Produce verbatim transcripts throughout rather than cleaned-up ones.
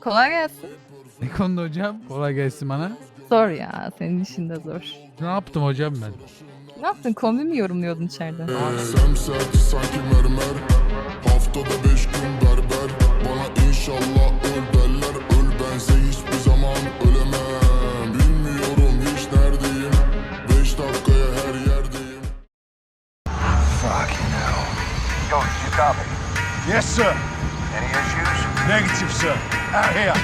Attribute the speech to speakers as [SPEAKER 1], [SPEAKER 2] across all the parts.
[SPEAKER 1] Kolay gelsin.
[SPEAKER 2] Ne konuda hocam? Kolay gelsin bana.
[SPEAKER 1] Zor ya. Senin işin de zor.
[SPEAKER 2] Ne yaptım hocam ben?
[SPEAKER 1] Ne yaptın? Kombi mi yorumluyordun içeride?
[SPEAKER 3] Semsert sanki mermer. Haftada beş gün berber. Bana inşallah öl derler. Öl bense hiçbir zaman ölemem. Bilmiyorum hiç neredeyim. Beş dakikaya her yerdeyim.
[SPEAKER 4] Fucking hell. Yo, you copy?
[SPEAKER 5] Yes, sir.
[SPEAKER 4] Any issues?
[SPEAKER 5] Negative, sir. Out here.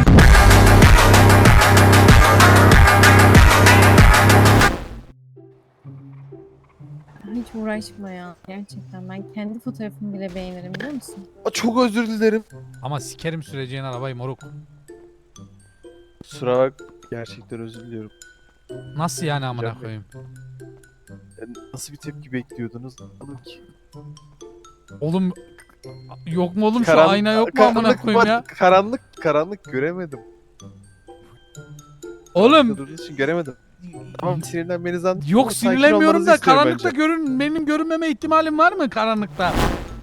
[SPEAKER 6] Hiç uğraşma ya. Gerçekten ben kendi fotoğrafımı bile beğenirim biliyor musun?
[SPEAKER 7] Çok özür dilerim.
[SPEAKER 2] Ama sikerim süreceğin arabayı moruk.
[SPEAKER 7] Kusura bak. Gerçekten özür diliyorum.
[SPEAKER 2] Nasıl yani amına
[SPEAKER 7] Hocam,
[SPEAKER 2] koyayım?
[SPEAKER 7] Yani nasıl bir tepki bekliyordunuz? Anladım ki.
[SPEAKER 2] Oğlum yok mu oğlum şu
[SPEAKER 7] Karan-
[SPEAKER 2] ayna yok mu amına
[SPEAKER 7] karanlık
[SPEAKER 2] koyayım
[SPEAKER 7] var-
[SPEAKER 2] ya?
[SPEAKER 7] Karanlık, karanlık göremedim.
[SPEAKER 2] Oğlum
[SPEAKER 7] Durduğunuz için göremedim. Tamam sinirlenmeniz anladım.
[SPEAKER 2] yok
[SPEAKER 7] Ama sakin
[SPEAKER 2] sinirlenmiyorum
[SPEAKER 7] olmanızı
[SPEAKER 2] da
[SPEAKER 7] istiyorum
[SPEAKER 2] karanlıkta
[SPEAKER 7] bence.
[SPEAKER 2] görün benim görünmeme ihtimalim var mı karanlıkta?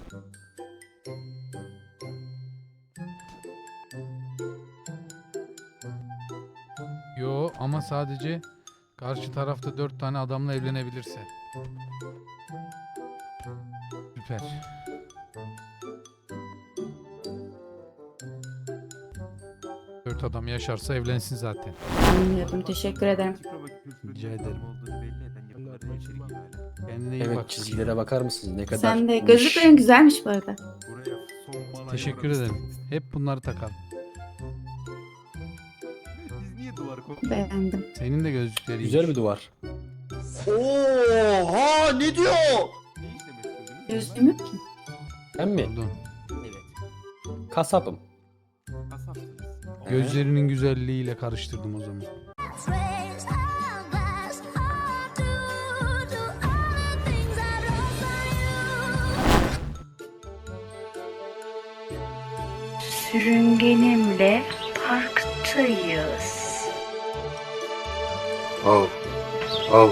[SPEAKER 2] Yo ama sadece karşı tarafta dört tane adamla evlenebilirse. Süper. Dört adam yaşarsa evlensin zaten.
[SPEAKER 8] Bilmiyorum. Teşekkür ederim.
[SPEAKER 2] Rica ederim. Kendine iyi
[SPEAKER 9] Evet,
[SPEAKER 2] bak.
[SPEAKER 9] çizgilere bakar mısınız? Ne kadar
[SPEAKER 8] Sen de
[SPEAKER 9] niş.
[SPEAKER 8] gözlüklerin güzelmiş bu arada.
[SPEAKER 2] Teşekkür ederim. Hep bunları takalım.
[SPEAKER 8] Beğendim.
[SPEAKER 2] Senin de gözlüklerin
[SPEAKER 9] Güzel bir duvar.
[SPEAKER 7] Oha ne diyor?
[SPEAKER 8] Gözlüğüm yok ki.
[SPEAKER 9] Ben mi?
[SPEAKER 2] oldu.
[SPEAKER 9] Kasapım.
[SPEAKER 2] Gözlerinin güzelliğiyle karıştırdım o zaman.
[SPEAKER 10] Sürüngenimle parktayız.
[SPEAKER 4] Oh. Oh.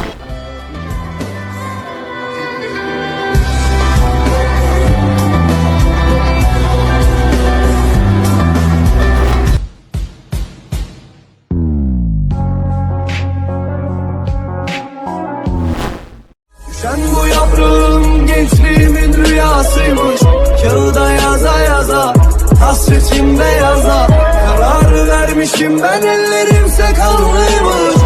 [SPEAKER 5] Sen bu yaprağım gençliğimin rüyasıymış. Kağıda yaza yaza, hasretim beyaza. Karar vermişim ben, ellerimse kanlıymış.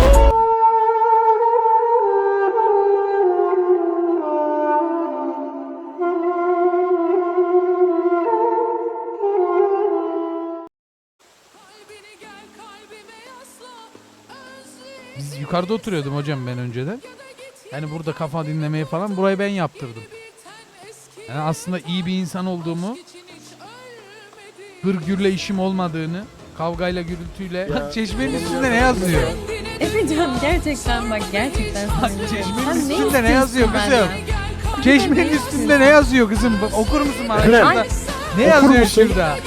[SPEAKER 2] Biz yukarıda oturuyordum hocam ben önceden. Yani burada kafa dinlemeye falan burayı ben yaptırdım. Yani aslında iyi bir insan olduğumu, hırgürle işim olmadığını, kavgayla gürültüyle. Bak çeşmenin üstünde ne yazıyor?
[SPEAKER 6] Efecan gerçekten bak gerçekten
[SPEAKER 2] Bak
[SPEAKER 6] sinirliyim.
[SPEAKER 2] çeşmenin
[SPEAKER 6] Sen ne
[SPEAKER 2] üstünde ne yazıyor
[SPEAKER 6] istiyorsun
[SPEAKER 2] kızım?
[SPEAKER 6] benden?
[SPEAKER 2] Çeşmenin üstünde ne yazıyor kızım? Bak, okur musun bana şurada?
[SPEAKER 6] Ay,
[SPEAKER 2] Ne yazıyor şurada?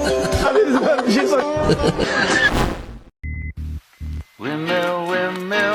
[SPEAKER 4] Windmill, windmill.